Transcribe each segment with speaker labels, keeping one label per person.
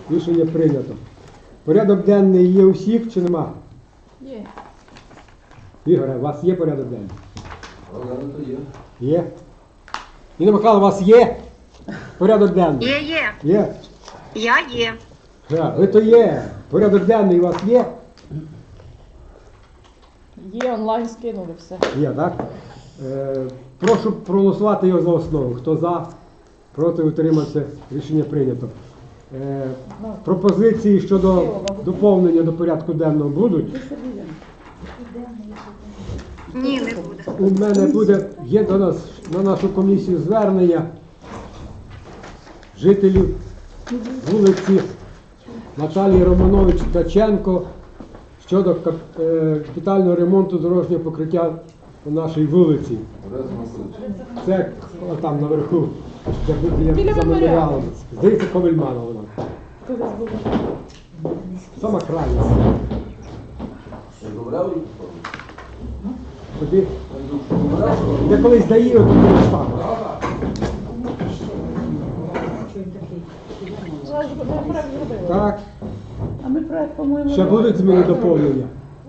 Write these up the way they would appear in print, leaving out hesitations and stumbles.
Speaker 1: Рішення прийнято. Порядок денний є у всіх чи нема?
Speaker 2: Є.
Speaker 1: Ігоре, у вас є порядок денний?
Speaker 3: То є.
Speaker 1: Є. Інна Михайло, у вас є порядок денний?
Speaker 4: Є.
Speaker 1: Є?
Speaker 4: Я є.
Speaker 1: Ви то є. Порядок денний у вас є?
Speaker 2: Є, онлайн скинули все.
Speaker 1: Є, так? Прошу проголосувати його за основу. Хто за? Проти, утримався. Рішення прийнято. Пропозиції щодо доповнення до порядку денного будуть?
Speaker 4: Ні, не буде.
Speaker 1: У мене є до нас на нашу комісію звернення жителів вулиці Наталії Романович Ткаченко щодо капітального ремонту дорожнього покриття по нашій вулиці. Це там наверху, де
Speaker 2: Біля
Speaker 1: за
Speaker 2: меморіалу.
Speaker 1: меморіалом. Здається, Ковельмана вона. Сама крайня. Тоді я колись даю, то не став. Так,
Speaker 5: А ми проект, по-моєму,
Speaker 1: ще будуть зміни доповнення.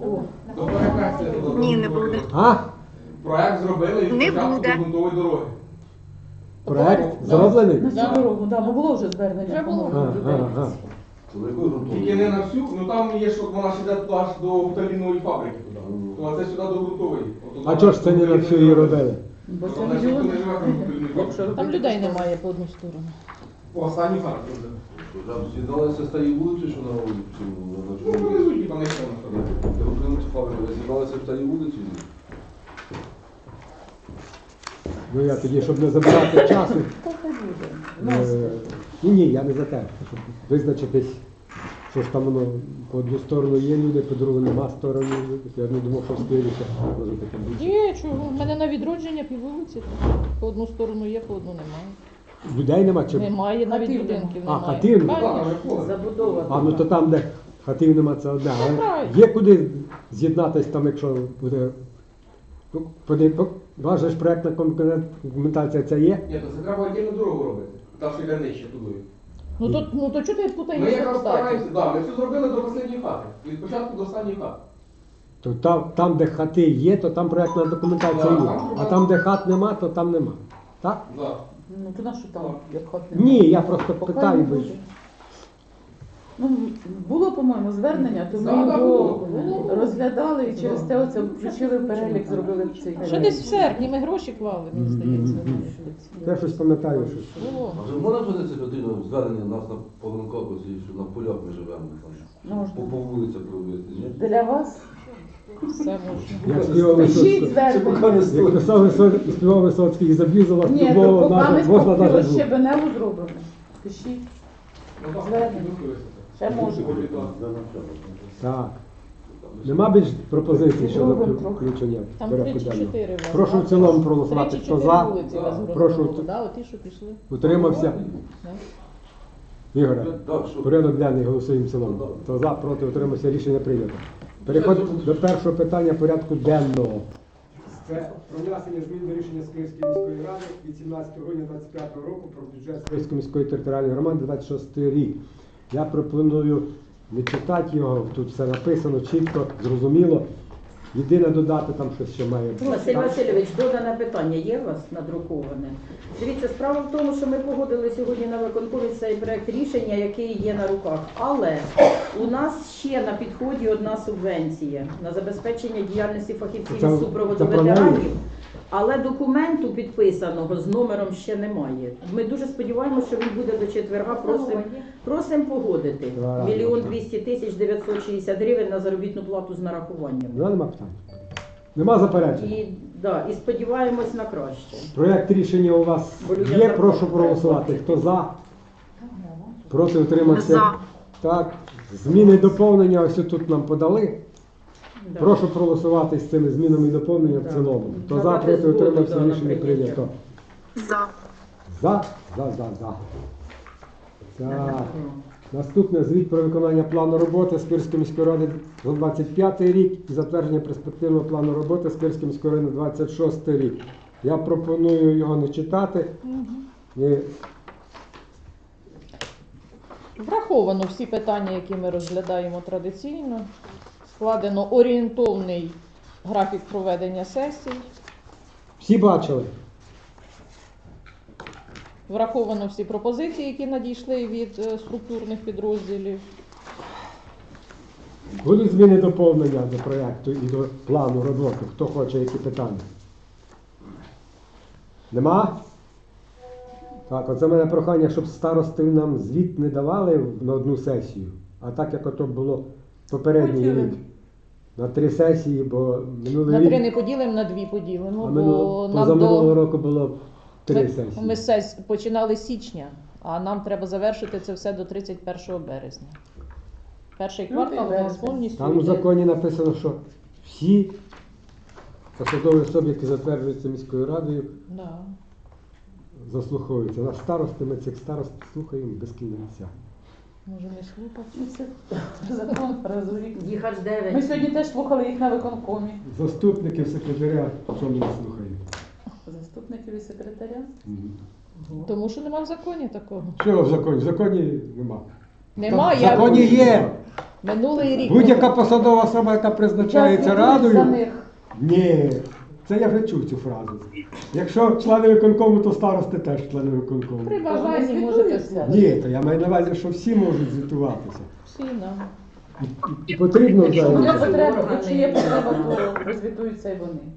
Speaker 4: Ні, не буде.
Speaker 1: А?
Speaker 6: Проект зробили і
Speaker 4: Не
Speaker 6: початку
Speaker 4: буде.
Speaker 6: ґрунтової дороги.
Speaker 1: Проект зроблений?
Speaker 5: на цю дорогу, да, бо було вже звернення.
Speaker 2: Вже було.
Speaker 5: по-моєму,
Speaker 1: Ага.
Speaker 6: Тільки не на всю, ну там є, що вона ж йде аж до буталінової фабрики туди. То а це сюди до ґрунтової.
Speaker 1: А чого ж це не на всю її робили?
Speaker 5: Бо це
Speaker 6: Вона ж ніхто
Speaker 5: мільйон.
Speaker 6: не живе в буталіновій
Speaker 5: Якщо
Speaker 6: фабриці.
Speaker 2: Там
Speaker 5: робити,
Speaker 2: людей
Speaker 5: то-
Speaker 2: немає по одну сторону.
Speaker 6: По останній фабриці вже.
Speaker 3: З'єдналися з тієї вулиці, що на вулиці?
Speaker 6: Ну, привезуть, там не що на фабриці.
Speaker 3: Ви з'єдналися в тієї вулиці?
Speaker 1: Ну я тоді, щоб не забирати часу.
Speaker 5: Та хай буде. У нас
Speaker 1: Ні, я не за те, щоб визначитись, що ж там воно по одну сторону є люди, по другу нема сторони. Я не думав, що встигнеться. Може таке більше.
Speaker 2: Є, чого? У мене на відродження піввулиці. По одну сторону є, по одну немає.
Speaker 1: Людей нема чи?
Speaker 2: Немає, навіть
Speaker 5: Хатів
Speaker 2: будинків
Speaker 1: нема.
Speaker 2: немає.
Speaker 1: А, хатів нема?
Speaker 6: Так,
Speaker 2: Конечно.
Speaker 6: вже поле.
Speaker 5: забудова.
Speaker 1: А ну то там, де хатів нема, це одне. Але
Speaker 2: правильно.
Speaker 1: є куди з'єднатись там, якщо буде. Ваша ж проєктна документація це є?
Speaker 6: Ні, то це треба отдільну дорогу робити. Та, що йде нижче туди.
Speaker 2: Ну то чого ти
Speaker 6: Ми
Speaker 2: путаєшся
Speaker 6: якраз
Speaker 2: статі?
Speaker 6: стараємося, да, ми все зробили до останньої хати. Від початку до останньої хати.
Speaker 1: То там, де хати є, то там проєктна документація
Speaker 6: Да,
Speaker 1: є.
Speaker 6: там
Speaker 1: А там, де хат нема, то там нема. Так?
Speaker 6: Да.
Speaker 5: Ну то на що там, як хат
Speaker 1: Ні, я просто
Speaker 5: Поки
Speaker 1: питаю.
Speaker 5: не
Speaker 1: бо-
Speaker 5: буде. Ну, було, по-моєму, звернення, то ми
Speaker 6: Да, да,
Speaker 5: його
Speaker 6: було.
Speaker 5: розглядали і через те оце включили в перелік, зробили цей
Speaker 2: Ще
Speaker 5: перелік.
Speaker 2: десь в серпні ми гроші клали, мені здається.
Speaker 1: Я щось пам'ятаю, що.
Speaker 2: Було.
Speaker 3: А вже можна звернутися потрібно звернення нас на Погранкопусі, що на полях ми живемо там?
Speaker 5: Можна.
Speaker 3: По вулицях робити, ні?
Speaker 5: Для вас
Speaker 2: Все можна.
Speaker 1: Я співав
Speaker 5: пишіть
Speaker 1: Висоцький.
Speaker 5: звернення.
Speaker 1: Як писав співав Висоцький, і заб'юзала
Speaker 5: Ні, то
Speaker 1: любого,
Speaker 5: поки ми
Speaker 1: можна
Speaker 5: поки
Speaker 1: навіть звук.
Speaker 5: щебеневу зробимо. Пишіть,
Speaker 6: Ну, так,
Speaker 5: Звернення.
Speaker 6: підготуємося.
Speaker 5: ще можна.
Speaker 1: Так. Нема більш пропозицій щодо
Speaker 5: Зробимо трохи.
Speaker 1: включення
Speaker 2: Там
Speaker 1: порядку денного?
Speaker 2: 3 чи 4 у вас.
Speaker 1: Прошу в цілому проголосувати.
Speaker 2: 3 чи
Speaker 1: Хто
Speaker 2: 4
Speaker 1: за?
Speaker 2: вулиці у вас
Speaker 1: Прошу.
Speaker 2: Грозного, да, оті, що пішли.
Speaker 1: Утримався?
Speaker 2: Да.
Speaker 1: Ігоре,
Speaker 3: Так, що?
Speaker 1: порядок денний голосуємо в цілому. Хто за, проти, утримався, рішення прийнято. Переходимо до першого питання порядку денного. Це про внесення змін до рішення Сквирської міської ради від 17 грудня 2025 року про бюджет Сквирської міської територіальної громади 26 рік. Я пропоную не читати його, тут все написано чітко, зрозуміло. Єдине додати там щось ще має.
Speaker 7: Василь
Speaker 1: Так?
Speaker 7: Васильович, додане питання є у вас надруковане? Дивіться, справа в тому, що ми погодили сьогодні на виконкомі цей проект рішення, який є на руках. Але у нас ще на підході одна субвенція на забезпечення діяльності фахівців
Speaker 1: Це-
Speaker 7: із супроводу
Speaker 1: це про неї?
Speaker 7: ветеранів. Але документу підписаного з номером ще немає. Ми дуже сподіваємося, що він буде до четверга. Просимо погодити.
Speaker 1: Два рази.
Speaker 7: 1 200 960 гривень на заробітну плату з нарахуванням.
Speaker 1: Ну, нема питань. Нема заперечень.
Speaker 7: І сподіваємось на краще.
Speaker 1: Проєкт рішення у вас є, прошу проголосувати. Хто за? Проти, утримався?
Speaker 4: За.
Speaker 1: Так. Зміни і доповнення ось тут нам подали.
Speaker 7: Да.
Speaker 1: Прошу проголосувати з цими змінами і доповненням в
Speaker 7: Да.
Speaker 1: цілому. Хто за,
Speaker 7: Давати
Speaker 1: проти,
Speaker 7: згоду,
Speaker 1: утримався,
Speaker 7: да, на
Speaker 1: рішення
Speaker 7: прийняття.
Speaker 1: прийнято.
Speaker 4: За.
Speaker 1: За? За. Так. Наступне звіт про виконання плану роботи Сквирської міської ради за 25 рік і затвердження перспективного плану роботи Сквирської міської ради на 26 рік. Я пропоную його не читати.
Speaker 2: Враховано всі питання, які ми розглядаємо традиційно. Складено орієнтовний графік проведення сесій.
Speaker 1: Всі бачили?
Speaker 2: Враховано всі пропозиції, які надійшли від структурних підрозділів.
Speaker 1: Будуть зміни доповнення до проєкту і до плану роботи? Хто хоче, які питання? Нема? Так, оце в мене прохання, щоб старости нам звіт не давали на одну сесію, а так, як ото було попередній рік. На 3 сесії, бо минулий
Speaker 2: На 3
Speaker 1: рік,
Speaker 2: не поділимо, на 2 поділимо,
Speaker 1: а
Speaker 2: бо нам
Speaker 1: позаминулого
Speaker 2: до...
Speaker 1: року було 3
Speaker 2: Ми
Speaker 1: сесії.
Speaker 2: починали з січня, а нам треба завершити це все до 31 березня. Перший квартал у нас
Speaker 5: березень.
Speaker 2: повністю
Speaker 1: Там у
Speaker 2: йде.
Speaker 1: законі написано, що всі посадові особи, які затверджуються міською радою,
Speaker 2: Да.
Speaker 1: заслуховуються. Наш старости, ми цих старост слухаємо без кінця.
Speaker 2: Може не слухати.
Speaker 5: Ну, це закон раз у рік.
Speaker 7: Їх аж
Speaker 5: Ми
Speaker 7: 9.
Speaker 5: сьогодні теж слухали їх на виконкомі.
Speaker 1: Заступників секретаря, що ми не слухаємо.
Speaker 5: Заступників і секретаря.
Speaker 2: Тому що нема в законі такого.
Speaker 1: Що в законі? В законі нема.
Speaker 2: Нема,
Speaker 1: В законі є.
Speaker 2: Минулий рік.
Speaker 1: Будь-яка посадова особа, яка призначається
Speaker 5: За
Speaker 1: радою.
Speaker 5: них.
Speaker 1: Ні, це я вже чув цю фразу. Якщо члени виконкому, то старости теж члени виконкому.
Speaker 2: При
Speaker 5: Вони
Speaker 2: бажанні можете
Speaker 5: звітуються.
Speaker 2: слухати.
Speaker 1: Ні, то я маю на увазі, що всі можуть звітуватися.
Speaker 2: Всі, да.
Speaker 1: І потрібно
Speaker 7: Якщо
Speaker 5: Є
Speaker 1: взагалі.
Speaker 5: потреба,
Speaker 7: органи.
Speaker 5: якщо є потреба, то розвітуються і вони.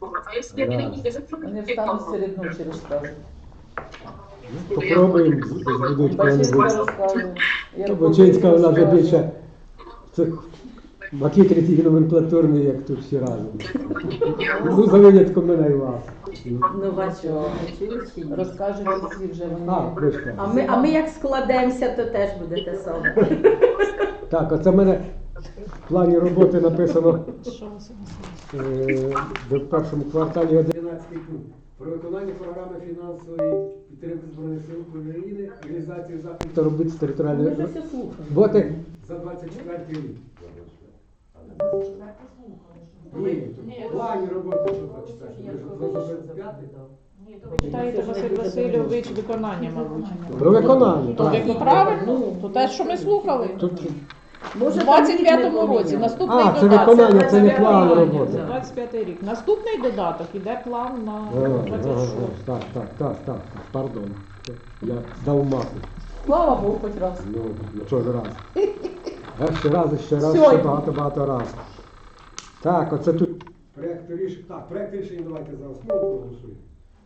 Speaker 5: Вони встануть серед ночі розкажуть.
Speaker 1: Попробуємо збудуть
Speaker 5: Бачинська
Speaker 1: кого-небудь.
Speaker 5: розказує.
Speaker 1: Бочинська вона вже більше цих макітрів і номенклатурний, як тут всі разом. Ну, за винятком мене і вас.
Speaker 7: Ну, бачу, чуєш чи ні?
Speaker 5: Розкажуть усі вже вони.
Speaker 1: А, дочка.
Speaker 7: А ми як складемося, то теж буде те саме.
Speaker 1: Так, оце в мене в плані роботи написано
Speaker 2: Що у вас?
Speaker 1: в першому кварталі 11 пункт. Про виконання програми фінансової підтримки Збройних сил України, реалізацію заходів та робити з
Speaker 7: Ми
Speaker 1: територіальної
Speaker 7: вже все слухаємо.
Speaker 1: роботи за 24 рік. Ні, в плані роботи що 24. Ви за 25?
Speaker 2: Читаєте, Василь Васильович, виконання, мабуть.
Speaker 1: Про виконання,
Speaker 2: То
Speaker 1: так.
Speaker 2: як правильно, то те, що ми слухали.
Speaker 1: Тут,
Speaker 7: Може,
Speaker 2: У
Speaker 7: там
Speaker 2: 25-му
Speaker 7: рік не
Speaker 2: році
Speaker 7: поміняли.
Speaker 2: наступний
Speaker 1: це
Speaker 2: додаток.
Speaker 1: виконання, це не план
Speaker 2: виконання,
Speaker 1: роботи.
Speaker 2: це 25-й рік. Наступний додаток іде план на
Speaker 1: ага,
Speaker 2: 26.
Speaker 1: так, пардон. Я дав маху.
Speaker 5: Слава Богу, хоч раз.
Speaker 1: Ну, що ж раз. Ще раз, ще
Speaker 5: Сьогодні.
Speaker 1: багато раз. Так, оце тут. Проект рішення давайте за основу проголосуємо.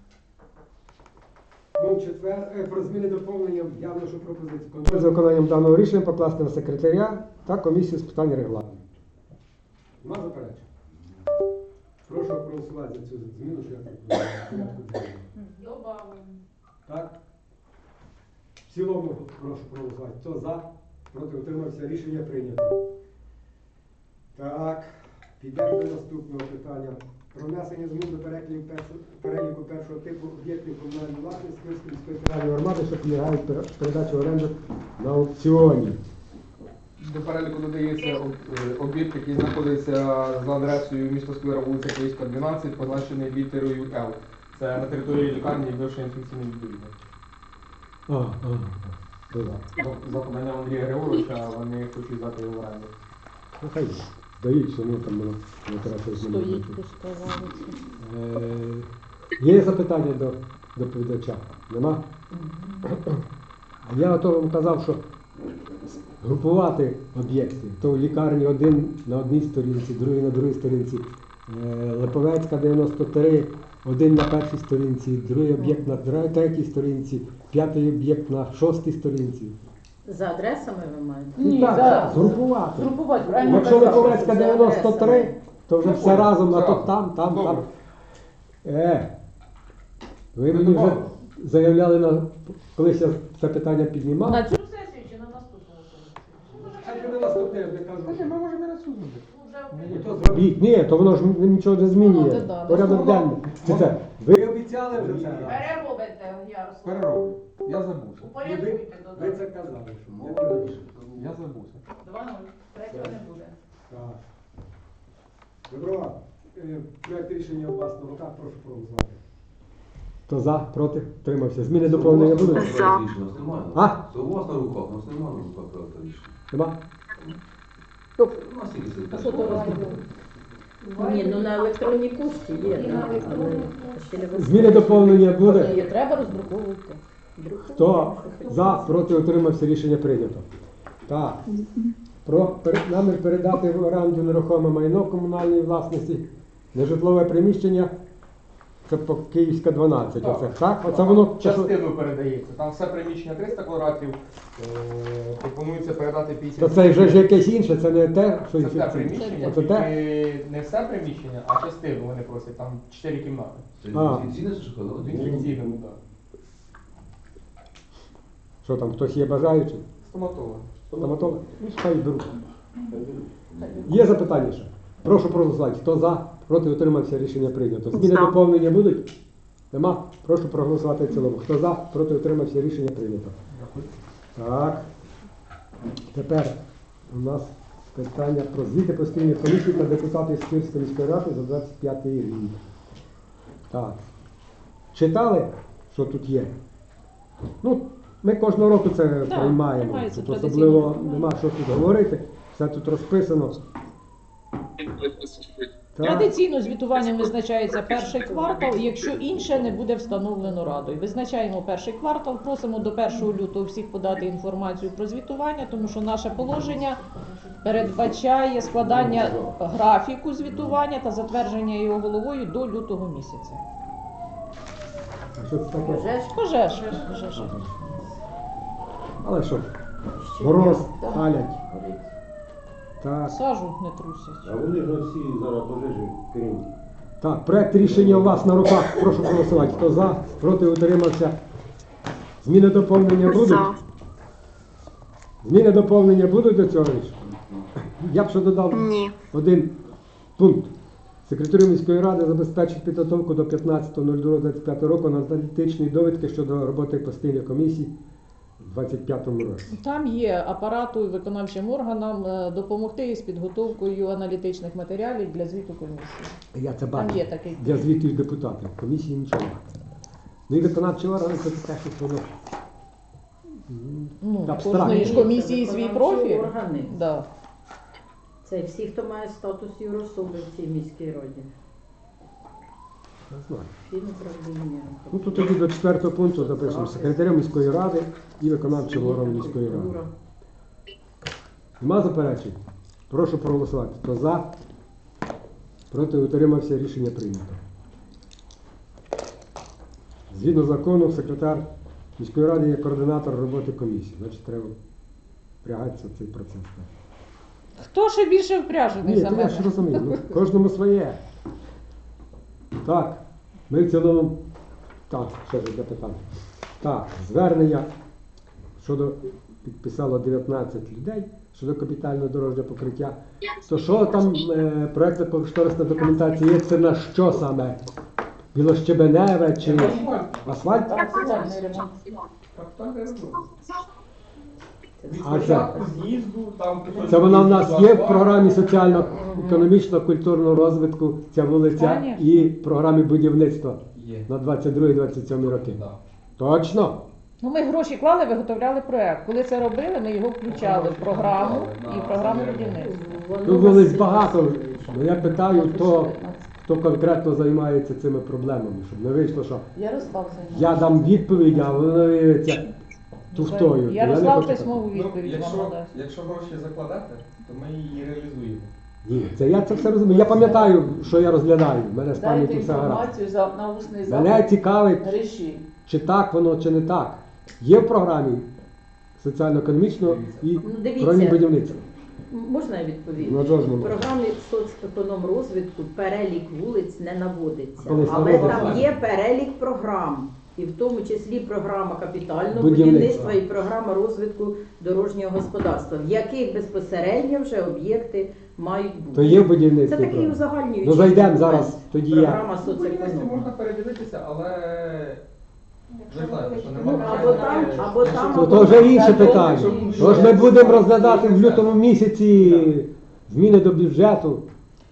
Speaker 1: Пункт 4. Про зміни доповнення я вношу пропозицію. Контроль за виконанням даного рішення покласти на секретаря та комісію з питань регламенту. Нема заперечень? Прошу проголосувати за цю зміну, що я так порядку денного.
Speaker 2: Добавимо.
Speaker 1: Так? В цілому прошу проголосувати. Хто за? Проти утримався. Рішення прийнято. Так, підемо до наступного питання. Про внесення змін до переліку першого типу об'єктів комунальної власності Київської міської територіальної громади, що підлягають передачі в оренду на аукціоні.
Speaker 6: До переліку додається об'єкт, який знаходиться за адресою міста Сквера, вулиця Київська, 12, позначений літерою Л. Це на території лікарні бившої інфекційної відділення. За поданням Андрія Григоровича вони хочуть здати його в оренду.
Speaker 1: Ну, хай дають, що ну там воно не треба з ними
Speaker 2: Стоїть,
Speaker 1: робити.
Speaker 2: пускавалиться.
Speaker 1: Є запитання до доповідача? Нема? А я ото вам казав, що групувати об'єкти. То в лікарні один на одній сторінці, другий на другій сторінці. Липовецька 93, один на першій сторінці, другий об'єкт на третій сторінці, п'ятий об'єкт на шостій сторінці.
Speaker 7: За адресами ви маєте?
Speaker 5: Ні,
Speaker 1: так,
Speaker 5: за-
Speaker 1: згрупувати.
Speaker 5: Згрупувати, правильно?
Speaker 1: Якщо
Speaker 5: казав.
Speaker 1: Липовецька 93, то вже все разом, а то там.
Speaker 6: Добре.
Speaker 1: Ви мені вже заявляли, колись я це питання піднімав.
Speaker 2: На цю сесію чи на наступну сесію?
Speaker 1: На наступне, я кажу.
Speaker 6: Ми можемо і на цю
Speaker 1: Зробіть. Ні, то воно ж нічого не
Speaker 2: Ну,
Speaker 1: змінює.
Speaker 2: да.
Speaker 1: Порядок денний. Це. Ви обіцяли вже це.
Speaker 2: Переробите, Ярослав.
Speaker 6: перероблю. Я забувся.
Speaker 2: Упорядкуйте
Speaker 1: Ви
Speaker 2: додаток.
Speaker 1: це казали, що мова.
Speaker 6: Я забувся.
Speaker 2: 2-0. Третього не буде.
Speaker 1: Так. Добро. Проект рішення у вас на руках, прошу проголосувати. Хто за, проти, утримався. Зміни доповнення будуть?
Speaker 3: Проект рішення у нас немає.
Speaker 1: А?
Speaker 3: Це у вас на руках, у нас немає на руках проекту рішення.
Speaker 1: Нема?
Speaker 3: У нас тільки сидить.
Speaker 5: А що то розробили?
Speaker 7: Ні, ну на електронній пошті є,
Speaker 5: І
Speaker 7: да,
Speaker 5: на електронній.
Speaker 7: але ще не висновок.
Speaker 1: Зміни доповнення буде?
Speaker 2: Її треба роздруковувати.
Speaker 1: Хто за, проти, утримався, рішення прийнято. Так. Намір передати в оренду нерухоме майно комунальної власності, нежитлове приміщення, це по Київська 12. Оце, так? Оце воно
Speaker 6: Частину передається. Там все приміщення 300 квадратів, пропонується передати 50.
Speaker 1: То це вже ж якесь інше, це не те, що
Speaker 6: Це те приміщення,
Speaker 1: Оце те?
Speaker 6: тільки не все приміщення, а частину вони просять, там 4 кімнати.
Speaker 3: Це
Speaker 1: А.
Speaker 3: інфекційне чи що?
Speaker 6: В інфекційному, так.
Speaker 1: Що там, хтось є бажаючий?
Speaker 6: Стоматолог.
Speaker 1: Стоматолог? Ну, хай беруть. Є запитання ще? Прошу проголосувати. Хто за, проти, утримався, рішення прийнято. Зміни
Speaker 4: За.
Speaker 1: доповнення будуть? Нема? Прошу проголосувати в цілому. Хто за, проти, утримався, рішення прийнято. Так. Тепер у нас питання про звіти постійних комісій та депутатів Сквирської міської ради за 25 рік. Так. Читали, що тут є? Ну, ми кожного року це приймаємо.
Speaker 2: немає, це
Speaker 1: Тут
Speaker 2: традиційно.
Speaker 1: особливо нема що тут говорити. Все тут розписано. Так.
Speaker 2: Традиційно звітуванням визначається перший квартал, якщо інше не буде встановлено радою. Визначаємо перший квартал, просимо до 1 лютого всіх подати інформацію про звітування, тому що наше положення передбачає складання графіку звітування та затвердження його головою до лютого місяця.
Speaker 1: А що це таке?
Speaker 7: Пожеж?
Speaker 2: Пожеж.
Speaker 1: Але що?
Speaker 7: Ще
Speaker 1: Мороз,
Speaker 7: є.
Speaker 1: палять. Так.
Speaker 2: Сажу не трусять.
Speaker 8: А вони ж всі зараз пожежі керують.
Speaker 1: Так, проект рішення у вас на руках. Прошу проголосувати. Хто за, проти, утримався. Зміни доповнення будуть?
Speaker 4: За.
Speaker 1: Зміни доповнення будуть до цього рішення? Я б ще додав
Speaker 4: Ні.
Speaker 1: один пункт. Секретарю міської ради забезпечить підготовку до 15.02.25 року аналітичної довідки щодо роботи постійної комісії у 2025 році.
Speaker 2: Там є апарату і виконавчим органам допомогти із підготовкою аналітичних матеріалів для звіту комісії.
Speaker 1: Я це
Speaker 2: Там
Speaker 1: бачу.
Speaker 2: є такий.
Speaker 1: Для звітів депутатів. Комісії нічого. Ну і виконавчі органи це те, що воно
Speaker 2: Ну,
Speaker 1: абстрактно.
Speaker 2: кожної ж комісії свій
Speaker 7: Виконавчі
Speaker 2: профіль.
Speaker 7: органи.
Speaker 2: Да.
Speaker 7: Це всі, хто має статус юрособи в цій міській раді.
Speaker 1: Не знаю.
Speaker 7: Фінуправління.
Speaker 1: Ну тут тоді до 4 пункту запишемо секретаря міської ради і виконавчого органу міської ради. Нема заперечень? Прошу проголосувати. Хто за? Проти, утримався, рішення прийнято. Згідно закону, секретар міської ради є координатор роботи комісії. Значить, треба впрягатися в цей процес.
Speaker 2: Хто ще більше впряжений
Speaker 1: Ні,
Speaker 2: за
Speaker 1: то я
Speaker 2: мене?
Speaker 1: ж розумію. Ну, кожному своє. Так, ми в цілому. Так, ще ж одне питання. Так, звернення щодо підписало 19 людей щодо капітального дорожнього покриття. То що там проєктна кошторисна документація є? Це на що саме? Білощебеневе чи асфальт?
Speaker 2: Соціальний ремонт.
Speaker 6: Капітальний ремонт. Від
Speaker 1: А це?
Speaker 6: початку з'їзду, там кусочок
Speaker 1: Це вона в нас
Speaker 6: з'їзду,
Speaker 1: є в
Speaker 6: асфальт.
Speaker 1: програмі соціально-економічного культурного розвитку, ця вулиця,
Speaker 2: Конечно.
Speaker 1: і в програмі будівництва
Speaker 6: Є.
Speaker 1: на 22-27 роки.
Speaker 6: Да.
Speaker 1: Точно?
Speaker 2: Ну, ми гроші клали, виготовляли проект. Коли це робили, ми його включали в програму і в програму будівництва.
Speaker 1: Тут вулиць багато. Ну, я питаю, хто конкретно займається цими проблемами, щоб не вийшло, що
Speaker 2: Ярослав
Speaker 1: я дам відповідь, а воно виявиться туфтою. Я не
Speaker 2: Ярослав
Speaker 1: хочу
Speaker 2: письмову
Speaker 6: Ну,
Speaker 2: відповідь вам надасть.
Speaker 6: якщо гроші закладати, то ми її реалізуємо.
Speaker 1: Ні, я це все розумію. Я пам'ятаю, що я розглядаю. В мене з пам'яті все гаразд.
Speaker 5: на усний
Speaker 1: Мене цікавить,
Speaker 5: Ріші.
Speaker 1: чи так воно, чи не так. Є в програмі соціально-економічного і
Speaker 7: Ну, дивіться.
Speaker 1: програмі будівництва.
Speaker 7: Можна я відповім?
Speaker 1: Ну, що ж
Speaker 7: В
Speaker 1: не можна?
Speaker 7: програмі соцекономрозвитку перелік вулиць не наводиться,
Speaker 1: Колись
Speaker 7: але
Speaker 1: наводиться.
Speaker 7: там є перелік програм, і в тому числі програма капітального
Speaker 1: Будівництва.
Speaker 7: будівництва і програма розвитку дорожнього господарства, в яких безпосередньо вже об'єкти мають бути.
Speaker 1: То є в будівництві.
Speaker 7: Це такий
Speaker 1: програма?
Speaker 7: узагальнюючий
Speaker 1: Ну зайдемо
Speaker 7: документ.
Speaker 1: зараз, тоді я.
Speaker 7: Програма
Speaker 6: В будівництві
Speaker 7: соцеконом.
Speaker 6: можна передивитися, але ви знаєте, що
Speaker 7: Ну,
Speaker 6: немає.
Speaker 7: або там,
Speaker 1: То вже інше питання. Тож ми будемо розглядати в лютому місяці зміни до бюджету.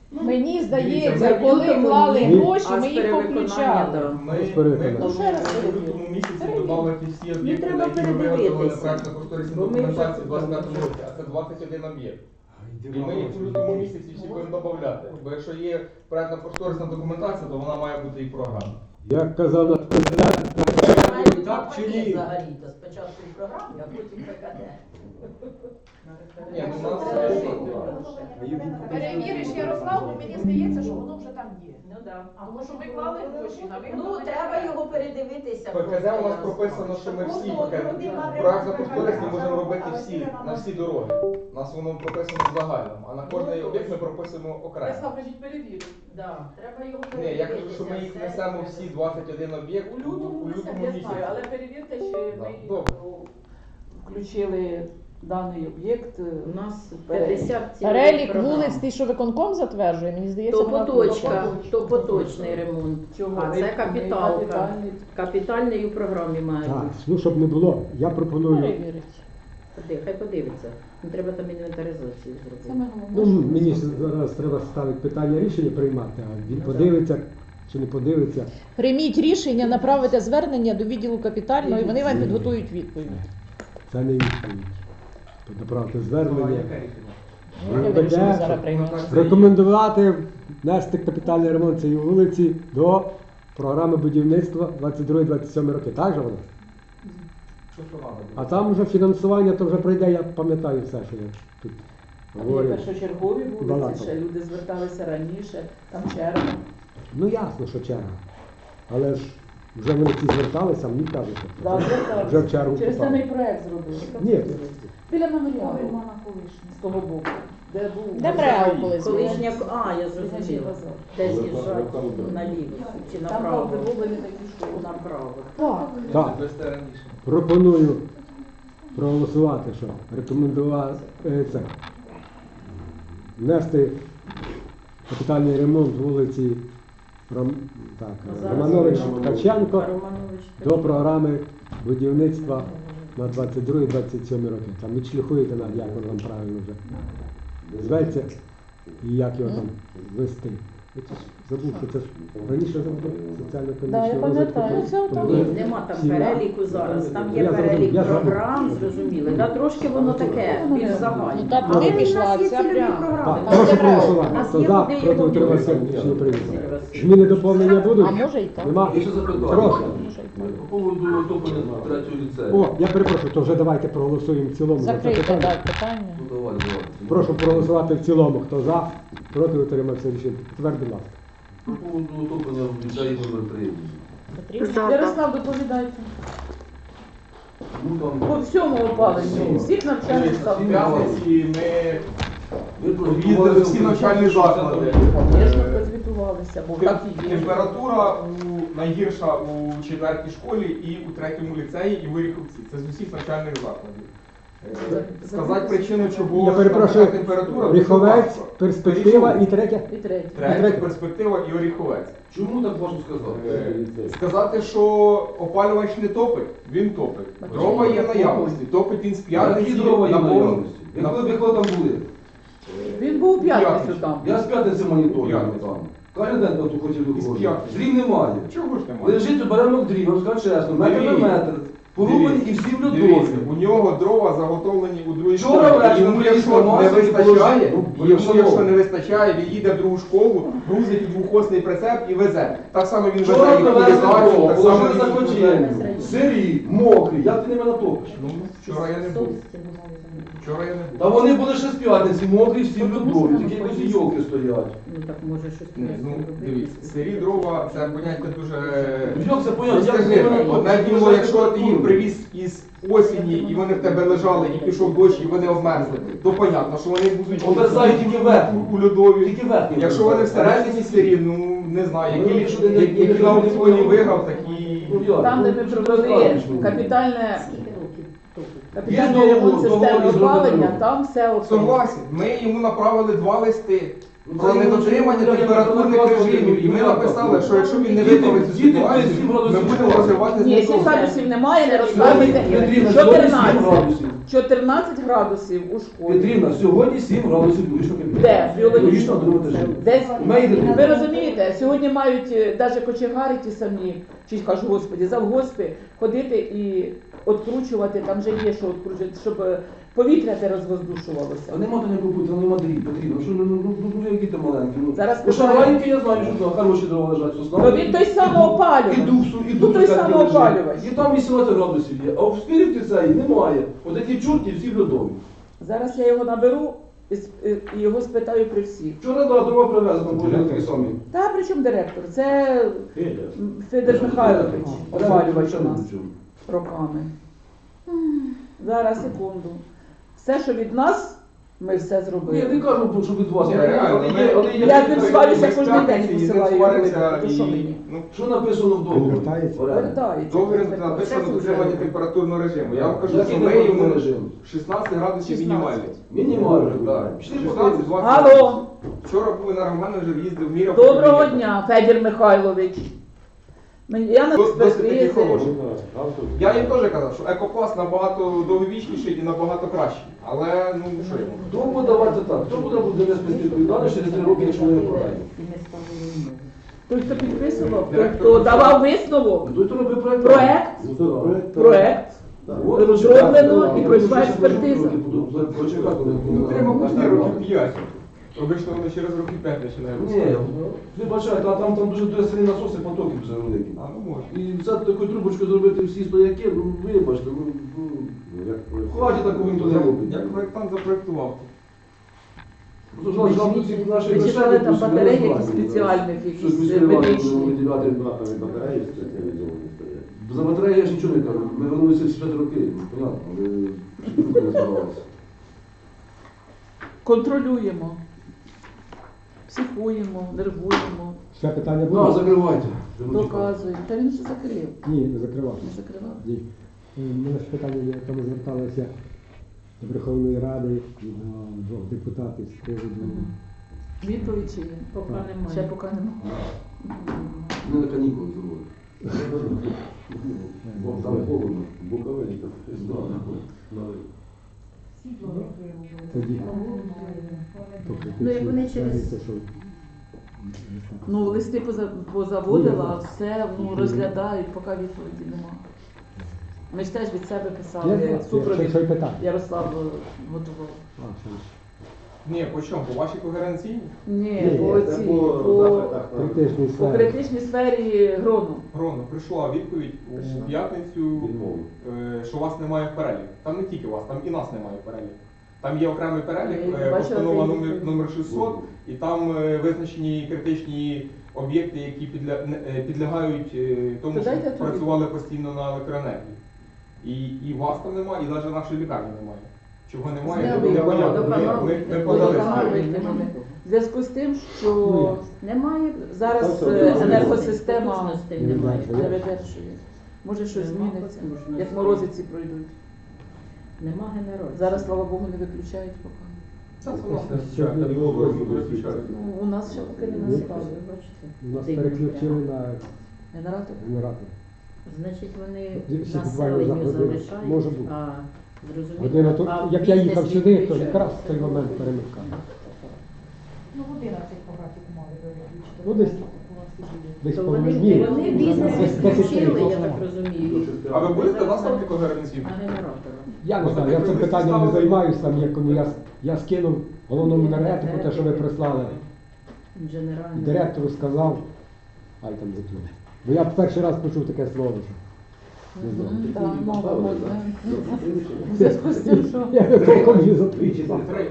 Speaker 2: Мені здається,
Speaker 7: Дивіться,
Speaker 2: коли
Speaker 7: ми
Speaker 2: клали
Speaker 1: ні,
Speaker 2: гроші,
Speaker 7: а
Speaker 2: ми
Speaker 7: з
Speaker 2: їх
Speaker 7: перевиконання,
Speaker 2: включали.
Speaker 7: да.
Speaker 6: Ми
Speaker 1: Ну,
Speaker 2: ще раз
Speaker 6: плануємо в
Speaker 2: перевірю.
Speaker 6: лютому місяці
Speaker 2: Перевірю.
Speaker 6: додати всі об'єкти,
Speaker 7: треба
Speaker 6: на які ми виготовили
Speaker 7: передивитися.
Speaker 6: проектно-кошторисну
Speaker 7: Бо ми вже-
Speaker 6: документацію в 25 році, а це 21 об'єкт. І ми їх в лютому місяці всі будемо додати. Бо якщо є проектно-кошторисна документація, то вона має бути і програма.
Speaker 1: Як казав наш президент, так чи ні?
Speaker 7: Взагалі, то спочатку і програмі, а потім ПКД.
Speaker 6: Ні, ну, у нас
Speaker 2: Перевіриш, Ярослав, бо мені здається, що воно вже там є.
Speaker 7: Ну так.
Speaker 2: Тому що ми клали гроші на
Speaker 7: Ну,
Speaker 2: виконання.
Speaker 7: треба його передивитися.
Speaker 6: ПКД у нас прописано, що ми всі проектно-кошторисні можемо робити всі, на всі дороги. У нас воно прописано в загальному, а на кожний об'єкт ми прописуємо окремо.
Speaker 2: кажіть, перевірю.
Speaker 7: Да, треба його
Speaker 6: Ні,
Speaker 7: передивитися.
Speaker 6: я кажу, що ми їх несемо всі 21 об'єкт у лютому місяці.
Speaker 2: перевірте, чи
Speaker 6: Да, добре.
Speaker 5: Включили даний об'єкт.
Speaker 7: У нас 50
Speaker 2: Перелік
Speaker 7: програм.
Speaker 2: вулиць, ти що виконком затверджує, мені здається,
Speaker 7: То
Speaker 2: вона
Speaker 7: поточка, то поточний ремонт.
Speaker 5: Чого?
Speaker 7: А це капіталка.
Speaker 5: Капітальний.
Speaker 7: Капітальний у програмі має
Speaker 1: Так,
Speaker 7: бути.
Speaker 1: ну щоб не було, я пропоную.
Speaker 2: перевірить.
Speaker 7: Хай подивиться. Не треба там інвентаризацію зробити.
Speaker 5: Саме
Speaker 1: Ну,
Speaker 5: головне.
Speaker 1: мені зараз треба ставити питання рішення приймати, а він подивиться чи не подивиться.
Speaker 2: Прийміть рішення, направите звернення до відділу капітального, і вони вам підготують відповідь.
Speaker 1: Це не відповідь. Направити звернення.
Speaker 2: Ну, яке ви рішення зараз приймете?
Speaker 1: Рекомендувати внести капітальний ремонт цієї вулиці до програми будівництва 22-27 роки. Так же воно? А там вже фінансування, то вже прийде, я пам'ятаю все, що я тут
Speaker 5: Там є
Speaker 1: говорю.
Speaker 5: першочергові вулиці,
Speaker 1: Балакав.
Speaker 5: ще люди зверталися раніше, там черга.
Speaker 1: Ну ясно, що черга. Але ж вже вони ці зверталися, а мені кажуть,
Speaker 5: Да,
Speaker 1: вже в чергу
Speaker 5: Через це
Speaker 1: попали.
Speaker 5: ми і проект зробили.
Speaker 1: Ні.
Speaker 5: Біля меморіалу з того боку, де був
Speaker 2: Де МРЕО колись було?
Speaker 7: Колишня, я
Speaker 5: Значить,
Speaker 7: зрозуміла.
Speaker 5: базар.
Speaker 7: Де з'їжджать наліво чи
Speaker 5: Там
Speaker 7: направо?
Speaker 5: правда були не такі школи.
Speaker 7: Направо.
Speaker 2: Так.
Speaker 1: Так, пропоную проголосувати, що рекомендувати це. Внести капітальний ремонт вулиці Романович Ткаченко
Speaker 7: Романович.
Speaker 1: до програми будівництва на 22-27 роки. Там відшліхуєте нам, як воно вам правильно вже зветься і як його там вести. Я це ж забув, що це ж раніше завжди
Speaker 2: Да, я
Speaker 1: соціально-економічного
Speaker 2: пам'ятаю.
Speaker 1: розвитку.
Speaker 2: Це отам.
Speaker 7: Ні, нема там
Speaker 1: Сім'я.
Speaker 7: переліку зараз. Там є
Speaker 1: Я зрозумів,
Speaker 7: перелік
Speaker 1: я зрозумів.
Speaker 7: програм, зрозуміло. Да, трошки воно таке, більш загальне.
Speaker 2: Ну, так
Speaker 7: Але
Speaker 2: туди
Speaker 7: в нас
Speaker 2: пішла
Speaker 7: є
Speaker 2: ця
Speaker 7: цільові
Speaker 2: прямо.
Speaker 7: програми.
Speaker 1: Так, прошу
Speaker 7: У
Speaker 1: проголосувати.
Speaker 7: нас
Speaker 1: Хто
Speaker 7: є
Speaker 1: за,
Speaker 7: куди
Speaker 1: проти
Speaker 7: його
Speaker 1: утримався,
Speaker 7: ділити.
Speaker 1: рішення прийнято.
Speaker 7: Василь Васильович.
Speaker 1: Зміни доповнення будуть?
Speaker 2: А може і так.
Speaker 1: Нема?
Speaker 3: І ще запитання.
Speaker 1: Прошу.
Speaker 2: Може і так.
Speaker 3: По поводу отоплення третього ліцею.
Speaker 1: О, я перепрошую, то вже давайте проголосуємо в цілому. за це
Speaker 2: Закрийте
Speaker 1: питання.
Speaker 2: так питання.
Speaker 3: Ну, давай.
Speaker 1: Прошу проголосувати в цілому. Хто за, проти утримався рішення. Тепер, будь ласка.
Speaker 3: По поводу отоплення в ліцеї номер 3.
Speaker 2: Потрібно?
Speaker 5: Ярослав, доповідайте.
Speaker 3: Ну, там,
Speaker 5: По всьому опаленню, всіх навчальних
Speaker 6: В
Speaker 5: закладів.
Speaker 6: п'ятниці ми
Speaker 3: ви
Speaker 6: об'їздили всі навчальні заклади.
Speaker 5: Звісно, розвітувалися, бо так і є.
Speaker 6: Температура найгірша у 4-й школі і у 3-му ліцеї, і в Оріховці. Це з усіх навчальних закладів. Сказати причину, чого
Speaker 1: Я перепрошую,
Speaker 6: така температура.
Speaker 1: Ріховець,
Speaker 6: дуже важко.
Speaker 1: перспектива і третя.
Speaker 5: І третє.
Speaker 6: Третя перспектива і Оріховець.
Speaker 3: Чому так важко сказати?
Speaker 6: Сказати, що опалювач не топить, він топить. Дрова є в наявності, топить він з
Speaker 3: Які
Speaker 6: п'ятниці
Speaker 3: дрова є
Speaker 6: на
Speaker 3: в
Speaker 6: повну.
Speaker 3: наявності? Якщо там були?
Speaker 5: Він був у п'ятницю там.
Speaker 3: Я з п'ятниці моніторю
Speaker 6: П'ятницю.
Speaker 3: там. Кожен день тут хотів
Speaker 6: Із
Speaker 3: доходити.
Speaker 6: п'ятниці.
Speaker 3: Дрів немає.
Speaker 6: Чого ж немає?
Speaker 3: Лежить баранок дрів, я вам скажу чесно, метр на
Speaker 6: Дивіться.
Speaker 3: метр. Порубані і всі в льодові.
Speaker 6: Дивіться, у нього дрова заготовлені у другій
Speaker 3: Вчора
Speaker 6: школі.
Speaker 3: ввечері
Speaker 6: Йому,
Speaker 3: ми
Speaker 6: якщо
Speaker 3: їздили
Speaker 6: не
Speaker 3: масово,
Speaker 6: вистачає,
Speaker 3: положили,
Speaker 6: йому,
Speaker 3: ну,
Speaker 6: якщо не вистачає, він їде в другу школу, грузить у двохосний прицеп і везе. Так само він
Speaker 3: Вчора
Speaker 6: везе і
Speaker 3: привезли
Speaker 6: кулінарію,
Speaker 3: дрова,
Speaker 6: так само
Speaker 3: положили за
Speaker 6: він везе.
Speaker 3: кочею. Сирі, мокрі, як ти ними натопиш?
Speaker 6: Ну, вчора я не був. Вчора я не був.
Speaker 3: Та вони були ще з п'ятниці, мокрі, всі в льодові, такі якось йолки стоять.
Speaker 7: Ну так може щось
Speaker 6: Ні, ну,
Speaker 7: зробити.
Speaker 6: дивіться, сирі дрова це поняття дуже.
Speaker 3: Як це поняття?
Speaker 6: Ну,
Speaker 3: Як
Speaker 6: скажи,
Speaker 3: ти ними натопиш?
Speaker 6: одне діло, якщо ти їх привіз із осені і вони в тебе лежали, і пішов дощ, і вони обмерзли, то понятно, що вони будуть
Speaker 3: Обмерзають тільки верхні.
Speaker 6: у льодові.
Speaker 3: Тільки верхні.
Speaker 6: Якщо вони всередині сирі, ну не знаю,
Speaker 3: Ну,
Speaker 6: які,
Speaker 3: що ти не-
Speaker 6: які на аукціоні виграв, такі.
Speaker 3: Ну, як?
Speaker 5: Там, де ми провели капітальне
Speaker 7: Скільки років топить?
Speaker 5: капітальний ремонт системи опалення, там все опалення.
Speaker 6: Согласен, ми йому направили 2 листи. Про недотримання температурних режимів. І ми написали, що якщо він не виправить цю ситуацію, ми будемо розривати з
Speaker 5: Ні,
Speaker 6: ним
Speaker 5: 7
Speaker 6: контракт.
Speaker 5: градусів немає, не розказуйте.
Speaker 3: Петрівна, сьогодні 7
Speaker 5: 14.
Speaker 3: градусів.
Speaker 5: 14 градусів у школі.
Speaker 3: Петрівна, сьогодні 7 градусів біологічного кабінету.
Speaker 5: Де?
Speaker 3: Біологічно на другому етажі.
Speaker 5: Десь.
Speaker 3: Мейден.
Speaker 5: Ви розумієте, сьогодні мають навіть кочегари ті самі, чи кажу, господі, завгоспи, ходити і откручувати, там вже є що откручувати, щоб повітря те розвоздушувалося.
Speaker 3: А нема то ніякого пути, нема дріб, Петрівна. Що, ну, які ти маленькі. Ну,
Speaker 5: Зараз
Speaker 3: ну, що
Speaker 5: питаю.
Speaker 3: маленькі, я знаю, що там хороші дрова лежать.
Speaker 5: Ну він той самоопалювач.
Speaker 3: І духсу, і
Speaker 5: Ну,
Speaker 3: дух
Speaker 5: той
Speaker 3: так
Speaker 5: самоопалювач.
Speaker 3: лежить. І там 18 градусів є, а в спіріті цієї немає. От такі чорті всі льодові.
Speaker 5: Зараз я його наберу і його спитаю при всіх.
Speaker 3: Вчора да, дрова привезли, там були такі самі.
Speaker 5: Та при чому директор? Це
Speaker 8: Федя.
Speaker 5: Федір Михайлович, опалювач у
Speaker 3: Прямо
Speaker 5: нас
Speaker 3: причому.
Speaker 5: роками. Зараз, секунду. Все, що від нас, ми все
Speaker 3: Ні, я
Speaker 5: зробили.
Speaker 3: не кажу, що від вас.
Speaker 6: Ні,
Speaker 3: але
Speaker 6: реально,
Speaker 3: є- але є-
Speaker 5: Я з ним сварюся
Speaker 6: Ми
Speaker 5: кожен день,
Speaker 6: експерти, і з ним
Speaker 5: посилаю
Speaker 6: сваримося,
Speaker 5: його, то що
Speaker 6: і,
Speaker 5: мені?
Speaker 6: ну,
Speaker 3: Що написано в договорі?
Speaker 1: Вертається.
Speaker 5: Вертається.
Speaker 6: договір написано дотримання температурного режиму. Я вам кажу,
Speaker 3: Який
Speaker 6: що ми
Speaker 3: температурний
Speaker 6: йому
Speaker 3: режим?
Speaker 6: 16 градусів
Speaker 5: 16.
Speaker 6: мінімальний.
Speaker 3: Мінімально,
Speaker 6: Так.
Speaker 3: так.
Speaker 6: 16-20.
Speaker 5: Алло,
Speaker 6: Вчора був енергоменеджер, їздив, міряв.
Speaker 5: доброго дня, Федір Михайлович. Я на
Speaker 6: Досить таки
Speaker 5: експертизи.
Speaker 6: хороший. Я їм теж казав, що екопласт набагато довговічніший і набагато кращий. Але, ну, що йому?
Speaker 3: Хто буде давати так? Хто буде нести відповідальність через 3 роки, якщо ми не програємо?
Speaker 5: Той, хто підписував, той, хто давав висновок,
Speaker 3: Той, хто робив проект.
Speaker 5: проект
Speaker 3: От,
Speaker 5: розроблено і пройшла експертиза.
Speaker 3: Почекати.
Speaker 6: Ну, треба почти років 5. Обично вони через років 5 починають.
Speaker 3: Ні, ви бачите, а там дуже сильні насоси, потоки все великі.
Speaker 6: А, ну може.
Speaker 3: І взяти таку трубочку зробити всі стояки, ну вибачте, хватить такого ніхто не робить.
Speaker 6: Як проєктант запроєктував?
Speaker 3: Просто жалко цих наших
Speaker 5: Ви читали
Speaker 3: грошей,
Speaker 5: там
Speaker 3: просто
Speaker 5: батареї
Speaker 3: не
Speaker 5: якісь
Speaker 3: розбирають.
Speaker 5: спеціальних,
Speaker 3: Щось
Speaker 5: якісь
Speaker 3: міський район
Speaker 5: медичні.
Speaker 3: виділяти.
Speaker 8: Батареї спеціалізовані стоять.
Speaker 3: За батареї я ж нічого не кажу. Ми вернулися всі 5 років, понятно, але руки не здавалися.
Speaker 5: Контролюємо, психуємо, нервуємо,
Speaker 1: Ще питання
Speaker 3: Ну,
Speaker 1: буде?
Speaker 3: закривайте.
Speaker 5: доказуємо. Та він вже закрив.
Speaker 1: Ні, не закривав.
Speaker 5: Не закривав.
Speaker 1: Ні. У мене ж питання є, яке ми зверталися до Верховної Ради і до двох депутатів з приводу.
Speaker 5: Відповідь чи є?
Speaker 7: Поки немає.
Speaker 5: Ще поки немає.
Speaker 3: Ми на канікули зробили. Бо там холодно.
Speaker 8: Буковель там.
Speaker 1: Тоді. Тобто,
Speaker 7: Ну, як вони через-
Speaker 1: те, що-
Speaker 5: Ну, листи позаводила, все розглядають, поки відповіді немає. Ми ж теж від себе
Speaker 1: Я
Speaker 5: писали
Speaker 1: знаю,
Speaker 5: супровід.
Speaker 1: що й питання.
Speaker 5: Ярослав готував.
Speaker 1: А, що ж.
Speaker 6: Ні, по чому? По вашій когеренційній?
Speaker 5: Ні,
Speaker 1: Ні,
Speaker 5: по
Speaker 8: Це
Speaker 5: цій,
Speaker 8: по
Speaker 5: по,
Speaker 8: запитах на-
Speaker 1: Критичний
Speaker 5: по
Speaker 1: сфері.
Speaker 5: критичній сфері грону.
Speaker 6: Грону, прийшла відповідь
Speaker 5: Прийшла.
Speaker 6: у п'ятницю,
Speaker 8: Відмову.
Speaker 6: що вас немає в перелік. Там не тільки вас, там і нас немає в перелік. Там є окремий перелік,
Speaker 5: Я бачила
Speaker 6: постанова
Speaker 5: цей
Speaker 6: номер,
Speaker 5: відповідь.
Speaker 6: номер 600, і там визначені критичні об'єкти, які підлягають тому,
Speaker 5: То
Speaker 6: що
Speaker 5: дайте тоді.
Speaker 6: працювали постійно на електроенергії. І вас там немає, і навіть нашої лікарні немає. Чого немає,
Speaker 5: Зняли
Speaker 6: не
Speaker 5: його,
Speaker 6: понятно.
Speaker 7: водоканал.
Speaker 6: Ми подали
Speaker 5: Водоканал
Speaker 6: скаргу.
Speaker 5: витягнули. В зв'язку з тим,
Speaker 1: Ну,
Speaker 5: що
Speaker 7: Немає.
Speaker 5: зараз
Speaker 8: Там все
Speaker 5: енергосистема
Speaker 7: Потужностей
Speaker 1: не
Speaker 7: немає.
Speaker 1: знаю.
Speaker 5: не видержує. Може щось
Speaker 7: Нема
Speaker 5: зміниться,
Speaker 7: потужностей.
Speaker 5: як морозиці пройдуть.
Speaker 7: Нема генерації.
Speaker 5: Зараз, слава Богу, не виключають поки.
Speaker 6: Це у нас не
Speaker 1: Сьогодні
Speaker 6: виключають,
Speaker 8: було
Speaker 6: так,
Speaker 8: просто
Speaker 6: виключають.
Speaker 5: Ну, у нас ще поки не
Speaker 1: Ні.
Speaker 5: настало.
Speaker 7: Бачите?
Speaker 1: У нас
Speaker 7: Дивно
Speaker 1: переключили
Speaker 7: прямо.
Speaker 1: на
Speaker 5: Генератор.
Speaker 1: генератор.
Speaker 7: Значить, вони
Speaker 1: Всі буквально за
Speaker 7: населенню
Speaker 1: годину.
Speaker 7: залишають,
Speaker 1: Може бути.
Speaker 7: а зрозуміло.
Speaker 1: Година то,
Speaker 7: а
Speaker 1: як я
Speaker 7: бізнес
Speaker 1: їхав сюди, то
Speaker 7: відключають.
Speaker 1: якраз в той момент перемикав.
Speaker 9: Ну, 11 по графіку мали виключити.
Speaker 1: Ну, десь
Speaker 7: То
Speaker 1: половина
Speaker 7: вони,
Speaker 1: дні.
Speaker 7: вони бізнес
Speaker 1: Десь
Speaker 7: відключили, я
Speaker 1: 10:30.
Speaker 7: так розумію.
Speaker 6: А ви будете нас ставити когеренційно?
Speaker 7: А генератора.
Speaker 1: Я не знаю, я цим питанням не займаюся, там як я скинув головному енергетику, те, що ви прислали.
Speaker 7: Генеральний.
Speaker 1: Директору сказав, ай там готує. Бо я перший раз почув таке слово. Що... Не знаю.
Speaker 5: Так, мова можна. У зв'язку з тим, що
Speaker 1: Я не толком її
Speaker 8: Двічі
Speaker 1: запитав.
Speaker 8: три.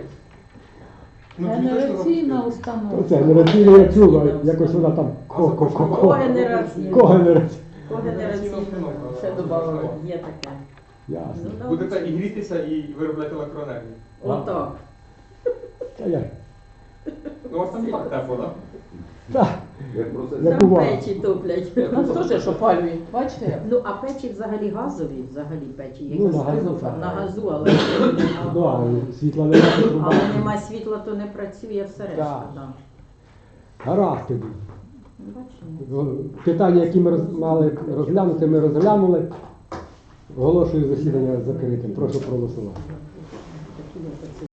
Speaker 6: Ну,
Speaker 5: генераційна
Speaker 1: Це
Speaker 5: установка.
Speaker 1: генераційне я чув, а якось вона там
Speaker 7: Когенераційна.
Speaker 1: Когенерація.
Speaker 7: Когенераційна.
Speaker 5: Ще додали.
Speaker 7: Є таке.
Speaker 1: Ясно.
Speaker 7: Ну,
Speaker 6: Будете і грітися, і виробляти електроенергію.
Speaker 7: Отак.
Speaker 1: Та я.
Speaker 6: Ну, у вас там і так тепло, так?
Speaker 1: Так,
Speaker 8: Як процес.
Speaker 1: як
Speaker 7: Там
Speaker 1: буває.
Speaker 7: печі топлять.
Speaker 5: Нас теж ж опалює. Бачите як?
Speaker 7: Ну, а печі взагалі газові, взагалі печі. Які
Speaker 1: Ну, на газу, так.
Speaker 7: на газу, але
Speaker 1: Ну, а світла немає, труба.
Speaker 7: але нема світла, то не працює всередині.
Speaker 1: Так.
Speaker 7: Да.
Speaker 1: Гаразд тоді.
Speaker 7: Бачимо.
Speaker 1: Питання, які ми мали розглянути, ми розглянули. Оголошую засідання закритим. Прошу проголосувати.